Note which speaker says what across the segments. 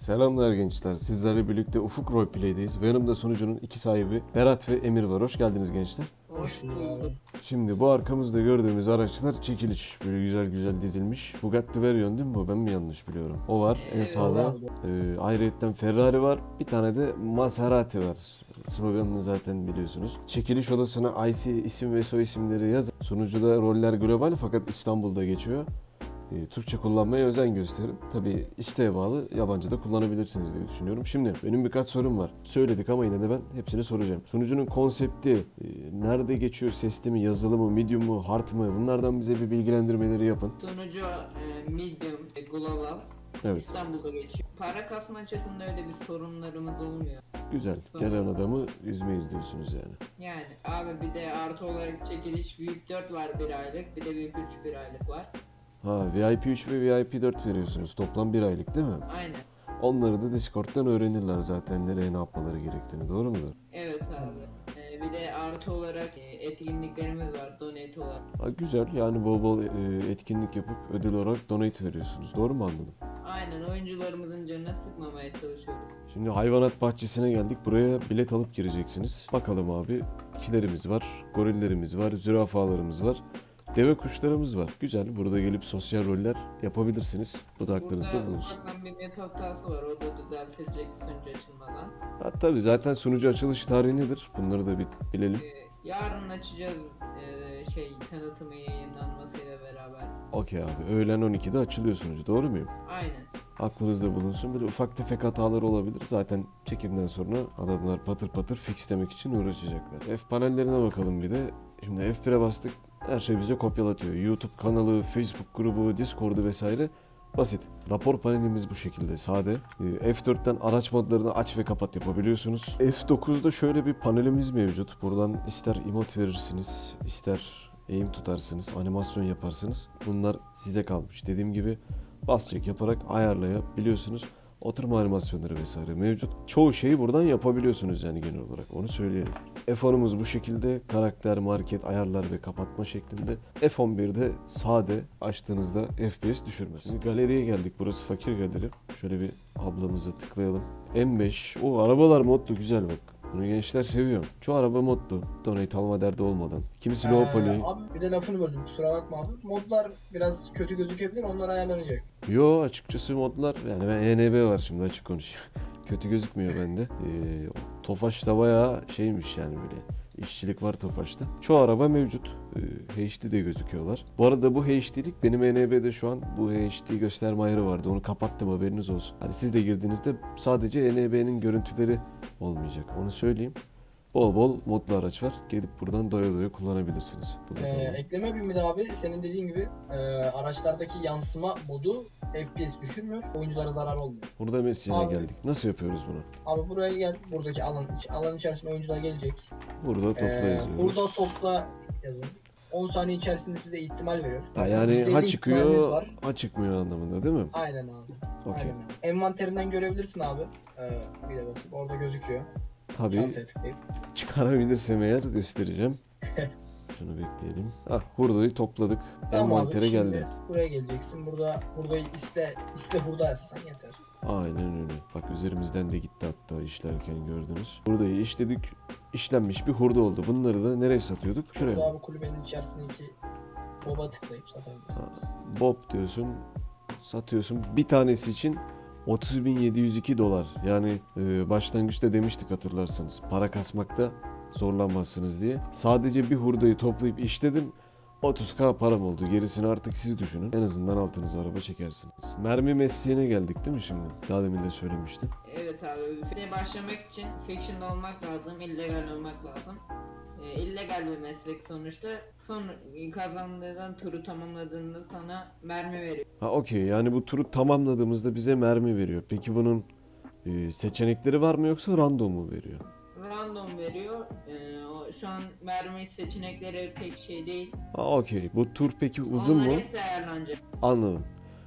Speaker 1: Selamlar gençler. Sizlerle birlikte Ufuk Roleplay'deyiz ve yanımda sunucunun iki sahibi Berat ve Emir var. Hoş geldiniz gençler.
Speaker 2: Hoş bulduk.
Speaker 1: Şimdi bu arkamızda gördüğümüz araçlar çekiliş. Böyle güzel güzel dizilmiş. Bugatti Veyron değil mi bu? Ben mi yanlış biliyorum? O var en sağda. Ayrıyetten Ferrari var. Bir tane de Maserati var. Sloganını zaten biliyorsunuz. Çekiliş odasına IC isim ve soy isimleri yazın. Sunucuda roller global fakat İstanbul'da geçiyor. Türkçe kullanmaya özen gösterin. Tabii isteğe bağlı yabancı da kullanabilirsiniz diye düşünüyorum. Şimdi benim birkaç sorum var. Söyledik ama yine de ben hepsini soracağım. Sunucunun konsepti nerede geçiyor? Sesli mi, yazılı mı, medium mu, hard mı? Bunlardan bize bir bilgilendirmeleri yapın.
Speaker 2: Sonucu medium, global.
Speaker 1: Evet.
Speaker 2: İstanbul'da geçiyor. Para kasma açısından öyle bir sorunlarımız olmuyor.
Speaker 1: Güzel. Gelen adamı üzmeyiz diyorsunuz yani.
Speaker 2: Yani abi bir de artı olarak çekiliş VIP 4 var bir aylık. Bir de VIP 3 bir aylık var.
Speaker 1: Ha, VIP 3 ve VIP 4 veriyorsunuz. Toplam bir aylık değil mi?
Speaker 2: Aynen.
Speaker 1: Onları da Discord'dan öğrenirler zaten nereye ne yapmaları gerektiğini. Doğru mudur?
Speaker 2: Evet abi. Bir de artı olarak etkinliklerimiz var donate olarak.
Speaker 1: Ha, güzel. Yani bol bol etkinlik yapıp ödül olarak donate veriyorsunuz. Doğru mu anladım?
Speaker 2: Aynen, oyuncularımızın canını sıkmamaya çalışıyoruz.
Speaker 1: Şimdi hayvanat bahçesine geldik. Buraya bilet alıp gireceksiniz. Bakalım abi. Kilerimiz var, gorillerimiz var, zürafalarımız var. Deve kuşlarımız var. Güzel. Burada gelip sosyal roller yapabilirsiniz. Bu da aklınızda
Speaker 2: Burada
Speaker 1: bulunsun.
Speaker 2: ufaktan bir map hatası var. O da düzeltilecek sunucu açılmadan.
Speaker 1: Ha, tabii zaten sunucu açılış tarihi nedir? Bunları da bir bilelim.
Speaker 2: Yarın açacağız tanıtımı yayınlanmasıyla beraber.
Speaker 1: Okey abi. Öğlen 12'de açılıyor sunucu. Doğru muyum?
Speaker 2: Aynen.
Speaker 1: Aklınızda bulunsun. Böyle ufak tefek hatalar olabilir. Zaten çekimden sonra adamlar patır patır fixlemek için uğraşacaklar. F panellerine bakalım bir de. Şimdi F1'e bastık. Her şey bize kopyalatıyor. YouTube kanalı, Facebook grubu, Discord'u vesaire. Basit. Rapor panelimiz bu şekilde sade. F4'ten araç modlarını aç ve kapat yapabiliyorsunuz. F9'da şöyle bir panelimiz mevcut. Buradan ister emote verirsiniz, ister aim tutarsınız, animasyon yaparsınız. Bunlar size kalmış. Dediğim gibi bas çek yaparak ayarlayabiliyorsunuz. Oturma animasyonları vesaire mevcut. Çoğu şeyi buradan yapabiliyorsunuz yani genel olarak. Onu söyleyelim. F10'umuz bu şekilde. Karakter, market, ayarlar ve kapatma şeklinde. F11'de sade açtığınızda FPS düşürmez. Şimdi galeriye geldik. Burası fakir galeri. Şöyle bir ablamıza tıklayalım. M5. O arabalar modlu güzel bak. Bunu gençler seviyor. Çoğu araba modlu. Donate alma derdi olmadan. Kimisi low poly.
Speaker 3: Abi bir de lafını böldüm, kusura bakma abi. Modlar biraz kötü gözükebilir, onlar ayarlanacak.
Speaker 1: Yo açıkçası modlar yani ben ENB var şimdi açık konuşayım. Kötü gözükmüyor bende. Tofaş da bayağı şeymiş yani böyle. İşçilik var Tofaş'ta. Çoğu araba mevcut. HD de gözüküyorlar. Bu arada bu HD'lik benim ENB'de şu an bu HD gösterme ayarı vardı. Onu kapattım haberiniz olsun. Hani siz de girdiğinizde sadece ENB'nin görüntüleri olmayacak. Onu söyleyeyim. Bol bol modlu araç var. Gelip buradan doya doya kullanabilirsiniz. Bu da tamam.
Speaker 3: Ekleme bir de abi, senin dediğin gibi araçlardaki yansıma modu FPS düşürmüyor, oyunculara zarar olmuyor.
Speaker 1: Burada mesleğine
Speaker 3: Abi.
Speaker 1: geldik. Nasıl yapıyoruz bunu?
Speaker 3: Abi buraya gel, buradaki alan içerisinde oyuncular gelecek.
Speaker 1: Burada topla yazıyoruz.
Speaker 3: Burada topla yazın. 10 saniye içerisinde size ihtimal veriyor.
Speaker 1: Ha, yani
Speaker 3: %50
Speaker 1: ha
Speaker 3: ihtimaliniz
Speaker 1: çıkıyor,
Speaker 3: var.
Speaker 1: ha çıkmıyor anlamında değil mi?
Speaker 3: Aynen abi.
Speaker 1: Okey.
Speaker 3: Aynen abi. Envanterinden görebilirsin abi. Bir de basıp orada gözüküyor.
Speaker 1: Tabii
Speaker 3: Çantaya tıklayıp.
Speaker 1: çıkarabilirsem eğer göstereceğim. Şunu bekleyelim. Ah hurdayı topladık.
Speaker 3: Tamam abi,
Speaker 1: Envantere
Speaker 3: şimdi
Speaker 1: geldi.
Speaker 3: buraya geleceksin. Burayı iste hurda yazsan yeter.
Speaker 1: Aynen öyle. Bak üzerimizden de gitti hatta işlerken gördünüz. Hurdayı işledik. İşlenmiş bir hurda oldu. Bunları da nereye satıyorduk? Şuraya.
Speaker 3: Burada abi kulübenin içerisindeki boba tıklayıp satabilirsiniz.
Speaker 1: Bob diyorsun. Satıyorsun. Bir tanesi için 30.702 dolar. Yani başlangıçta demiştik hatırlarsanız. Para kasmakta zorlanmazsınız diye. Sadece bir hurdayı toplayıp işledim. 30k param oldu. Gerisini artık siz düşünün. En azından altınıza araba çekersiniz. Mermi mesleğine geldik değil mi şimdi? Daha demin de söylemiştim.
Speaker 2: Evet abi. Başlamak için fiction olmak lazım, illegal olmak lazım. İllegal bir meslek sonuçta. Son kazandığın turu tamamladığında sana mermi veriyor.
Speaker 1: Ha okey, yani bu turu tamamladığımızda bize mermi veriyor. Peki bunun seçenekleri var mı yoksa random mu veriyor?
Speaker 2: Random veriyor. Şu an mermi seçenekleri pek şey değil.
Speaker 1: Ha okey. Bu tur peki uzun
Speaker 2: Onlar
Speaker 1: mu?
Speaker 2: hepsi ayarlanacak.
Speaker 1: Anladım.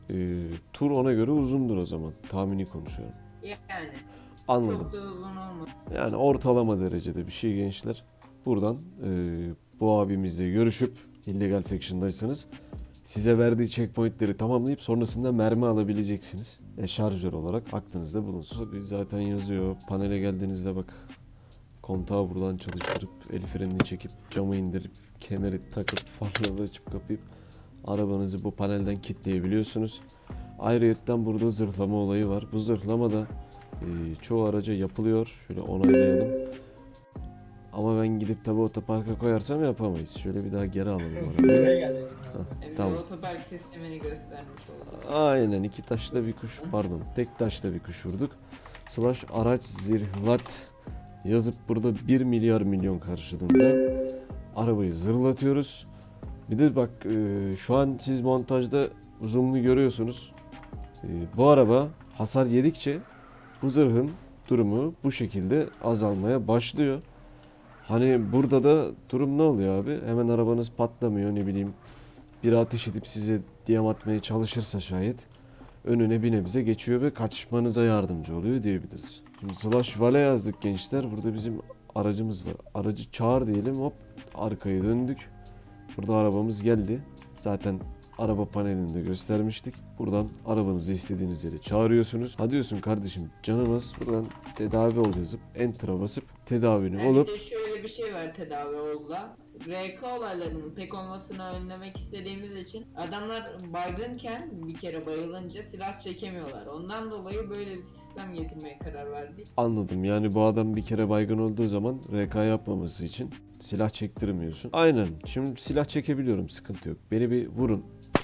Speaker 1: Tur ona göre uzundur o zaman. Tahmini konuşuyorum.
Speaker 2: Yani
Speaker 1: Anladım.
Speaker 2: çok da uzun olmaz.
Speaker 1: Yani ortalama derecede bir şey gençler. Buradan bu abimizle görüşüp illegal faction'daysanız size verdiği checkpointleri tamamlayıp sonrasında mermi alabileceksiniz. Şarjör olarak aklınızda bulunsun. Tabii zaten yazıyor. Panele geldiğinizde bak, kontağı buradan çalıştırıp el frenini çekip camı indirip kemeri takıp farları açıp kapayıp arabanızı bu panelden kilitleyebiliyorsunuz. Ayrıyetten burada zırhlama olayı var. Bu zırhlama da çoğu araca yapılıyor. Şöyle onaylayalım. Ama ben gidip tabi otoparka koyarsam yapamayız. Şöyle bir daha geri alalım arabayı.
Speaker 3: Buraya geldi.
Speaker 2: Bize
Speaker 1: Tamam.
Speaker 2: otopark sistemini göstermiş olduk.
Speaker 1: Aynen, iki taşla bir kuş, pardon tek taşla bir kuş vurduk. Slash araç zırhlat yazıp burada 1 milyar milyon karşılığında arabayı zırhlatıyoruz. Bir de bak şu an siz montajda zoom'lu görüyorsunuz. Bu araba hasar yedikçe bu zırhın durumu bu şekilde azalmaya başlıyor. Hani burada da durum ne oluyor abi? Hemen arabanız patlamıyor, ne bileyim. Biri ateş edip size diyam atmaya çalışırsa şayet önüne bir nebze geçiyor ve kaçmanıza yardımcı oluyor diyebiliriz. Şimdi slash vale yazdık gençler. Burada bizim aracımız var. Aracı çağır diyelim, hop arkaya döndük. Burada arabamız geldi. Zaten araba panelinde göstermiştik. Buradan arabanızı istediğiniz yere çağırıyorsunuz. Ha diyorsun kardeşim canımız, buradan tedavi ol yazıp enter'a basıp tedavini
Speaker 2: Yani
Speaker 1: olup
Speaker 2: bir de şöyle bir şey var tedavi olda. RK olaylarının pek olmasını önlemek istediğimiz için adamlar baygınken bir kere bayılınca silah çekemiyorlar. Ondan dolayı böyle bir sistem getirmeye karar verdik.
Speaker 1: anladım. Yani bu adam bir kere baygın olduğu zaman RK yapmaması için silah çektirmiyorsun. Aynen. Şimdi silah çekebiliyorum, sıkıntı yok. Beni bir vurun.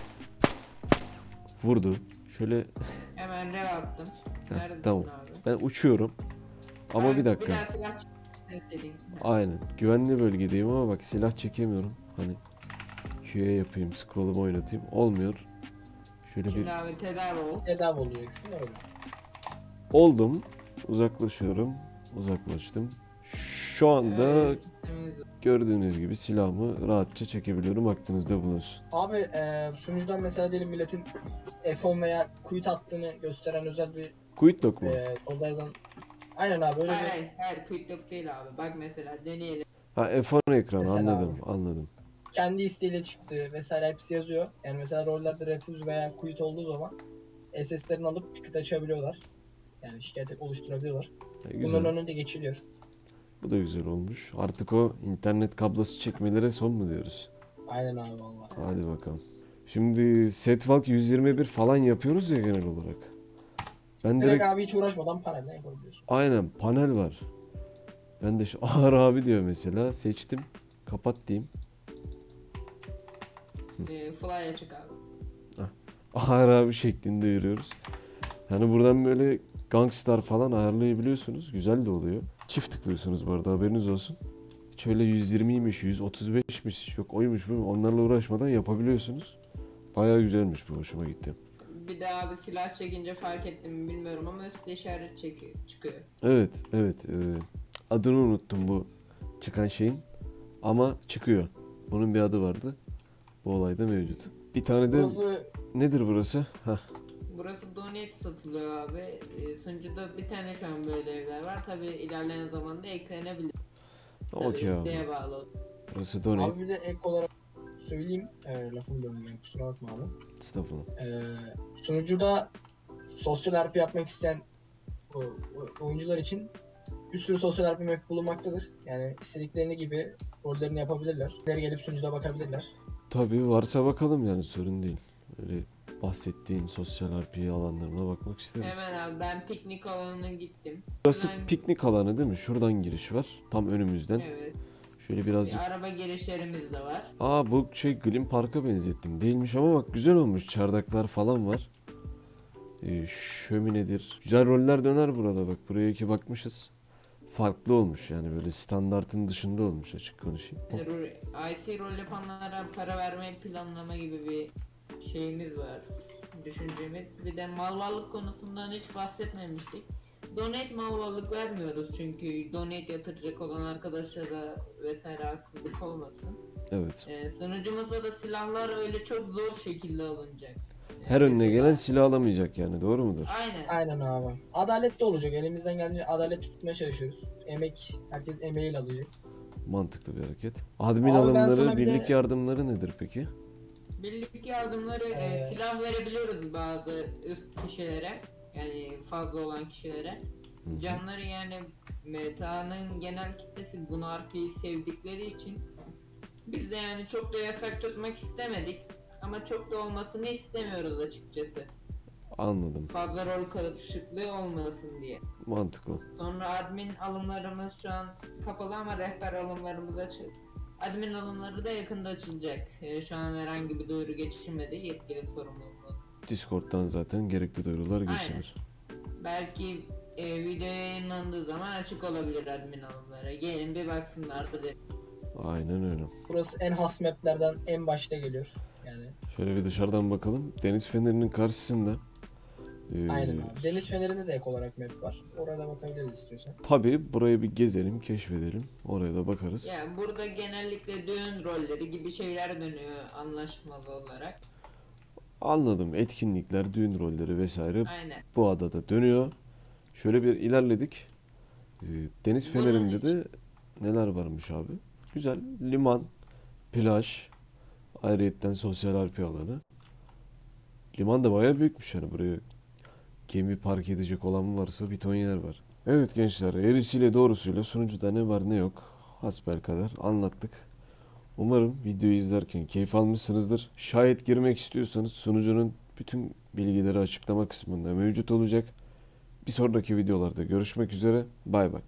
Speaker 1: Vurdu. Şöyle
Speaker 2: Hemen rev attım. Neredesin
Speaker 1: tamam.
Speaker 2: abi?
Speaker 1: Ben uçuyorum. Ama
Speaker 2: Abi,
Speaker 1: bir dakika.
Speaker 2: Bir daha silah çekmeseydin.
Speaker 1: Aynen. Güvenli bölgedeyim ama bak silah çekemiyorum. Hani Q'ye yapayım, scroll'umu oynatayım. Olmuyor. Şöyle bir
Speaker 2: Şimdi abi tedavi ol.
Speaker 3: Tedavi olacaksın öyle.
Speaker 1: oldum. Uzaklaşıyorum. Uzaklaştım. Şu anda
Speaker 2: Sistemimiz var.
Speaker 1: gördüğünüz gibi silahımı rahatça çekebiliyorum. Aklınızda bulunsun.
Speaker 3: Abi sunucudan mesela diyelim milletin F10 veya quit attığını gösteren özel bir
Speaker 1: Quit lock mu?
Speaker 3: solda yazan. Aynen abi öyle
Speaker 2: Hayır
Speaker 3: bir
Speaker 2: hayır hayır quick lock değil abi. Bak mesela deneyelim.
Speaker 1: Ha, F10 ekranı,
Speaker 3: Mesela
Speaker 1: anladım. Anladım.
Speaker 3: kendi isteğiyle çıktı vesaire hepsi yazıyor. Yani mesela rollerde refuse veya quit olduğu zaman SS'lerini alıp ticket açabiliyorlar. Yani şikayet oluşturabiliyorlar.
Speaker 1: Güzel.
Speaker 3: Bunların önünde geçiliyor.
Speaker 1: Bu da güzel olmuş. Artık o internet kablosu çekmelere son mu diyoruz?
Speaker 3: Aynen abi vallahi.
Speaker 1: Hadi bakalım. Şimdi Setwalk 121 falan yapıyoruz ya genel olarak. Ben
Speaker 3: Direkt
Speaker 1: direkt
Speaker 3: abi hiç uğraşmadan panelden yapabiliyorsun.
Speaker 1: aynen panel var. Ben de şu Ağır abi diyor mesela. Seçtim. Kapat diyeyim.
Speaker 2: Fly açık abi.
Speaker 1: Ağır abi şeklinde yürüyoruz. Yani buradan böyle Gangstar falan ayarlayabiliyorsunuz. Güzel de oluyor. Çift tıklıyorsunuz bu arada, haberiniz olsun. Hiç öyle 120'ymiş, 135'miş, yok oymuş bu. Onlarla uğraşmadan yapabiliyorsunuz. Bayağı güzelmiş bu, hoşuma gitti.
Speaker 2: Bir de abi silah çekince fark ettim mi bilmiyorum ama üstte işaret çıkıyor.
Speaker 1: Evet, evet. Adını unuttum bu çıkan şeyin. Ama çıkıyor. Bunun bir adı vardı. Bu olayda mevcut. Bir tane de
Speaker 3: Burası
Speaker 1: nedir burası? Heh.
Speaker 2: Burası donate satılıyor abi. Sunucuda bir tane şu an böyle evler var. Tabi ilerleyen zamanda eklenebilir. Tabii
Speaker 1: Okey abi.
Speaker 2: isteğe bağlı.
Speaker 1: Burası donate.
Speaker 3: abi bir de ek olarak söyleyeyim. Lafım bölüm yani kusura bakma abi.
Speaker 1: Estağfurullah.
Speaker 3: Sunucuda sosyal RP yapmak isteyen oyuncular için bir sürü sosyal RP map bulunmaktadır. Yani istediklerini gibi rollerini yapabilirler. Gelip sunucuda bakabilirler.
Speaker 1: Tabii varsa bakalım, yani sorun değil. Öyle bahsettiğin sosyal RP alanlarına bakmak isteriz.
Speaker 2: Hemen abi ben piknik alanına gittim.
Speaker 1: Burası
Speaker 2: Hemen-
Speaker 1: piknik alanı değil mi? Şuradan giriş var. Tam önümüzden.
Speaker 2: Evet.
Speaker 1: Şöyle birazcık.
Speaker 2: Araba girişlerimiz de var.
Speaker 1: Aa, bu şey Glim Park'a benzettim. Değilmiş ama bak güzel olmuş. Çardaklar falan var. Şöminedir. Güzel roller döner burada bak. Buraya iki bakmışız. Farklı olmuş yani, böyle standartın dışında olmuş, açık konuşayım. Hop.
Speaker 2: IC rol yapanlara para vermeyi planlama gibi bir şeyimiz var. Düşüncemiz. Bir de mal varlık konusundan hiç bahsetmemiştik. Donate mal varlık vermiyoruz çünkü donate yatıracak olan arkadaşlara vesaire haksızlık olmasın.
Speaker 1: Evet.
Speaker 2: Sunucumuzda da silahlar öyle çok zor şekilde alınacak.
Speaker 1: Her önüne
Speaker 2: Mesela-
Speaker 1: gelen silah alamayacak yani, doğru mudur?
Speaker 2: Aynen.
Speaker 3: Aynen abi. Adaletli olacak. Elimizden geldiğince adalet tutmaya çalışıyoruz. Emek, herkes emeğiyle alacak.
Speaker 1: Mantıklı bir hareket. Admin
Speaker 3: Abi ben
Speaker 1: alımları,
Speaker 3: sana bir
Speaker 1: birlik
Speaker 3: de-
Speaker 1: yardımları nedir peki?
Speaker 2: Birlik yardımları silah verebiliyoruz bazı üst kişilere. Yani fazla olan kişilere.
Speaker 1: Hı hı.
Speaker 2: Canları yani meta'nın genel kitlesi bunu harfiyi sevdikleri için biz de yani çok da yasak tutmak istemedik. Ama çok da olmasını istemiyoruz açıkçası.
Speaker 1: Anladım.
Speaker 2: Fazla rol karışıklığı olmasın diye.
Speaker 1: Mantıklı.
Speaker 2: Sonra admin alımlarımız şu an kapalı ama rehber alımlarımız açık. Admin alımları da yakında açılacak. Şu an herhangi bir duyuru geçilmedi yetkili sorumluluğumuz.
Speaker 1: Discord'dan zaten gerekli duyurular geçilir.
Speaker 2: Belki video yayınlandığı zaman açık olabilir admin alımları. Gelin bir baksınlar da de.
Speaker 1: Aynen öyle.
Speaker 3: Burası en has maplerden en başta geliyor. Yani
Speaker 1: Şöyle bir dışarıdan bakalım. Deniz fenerinin karşısında.
Speaker 3: aynen abi. Deniz Feneri'nde de ek olarak map var. Oraya da bakabiliriz istiyorsan.
Speaker 1: Tabii burayı bir gezelim, keşfedelim. Oraya da bakarız.
Speaker 2: Yani burada genellikle düğün rolleri gibi şeyler dönüyor anlaşmalı olarak.
Speaker 1: Anladım. Etkinlikler, düğün rolleri vesaire
Speaker 2: Aynen.
Speaker 1: bu adada dönüyor. Şöyle bir ilerledik. Deniz
Speaker 2: Bunun
Speaker 1: fenerinde de neler varmış abi? Güzel. Liman, plaj, ayrıyetten sosyal RP alanı. Liman da bayağı büyükmüş yani buraya gemi park edecek olan varsa bir ton yer var. Evet gençler, eğrisiyle doğrusuyla sunucuda ne var ne yok hasbelkader anlattık. Umarım videoyu izlerken keyif almışsınızdır. Şayet girmek istiyorsanız sunucunun bütün bilgileri açıklama kısmında mevcut olacak. Bir sonraki videolarda görüşmek üzere. Bay bay.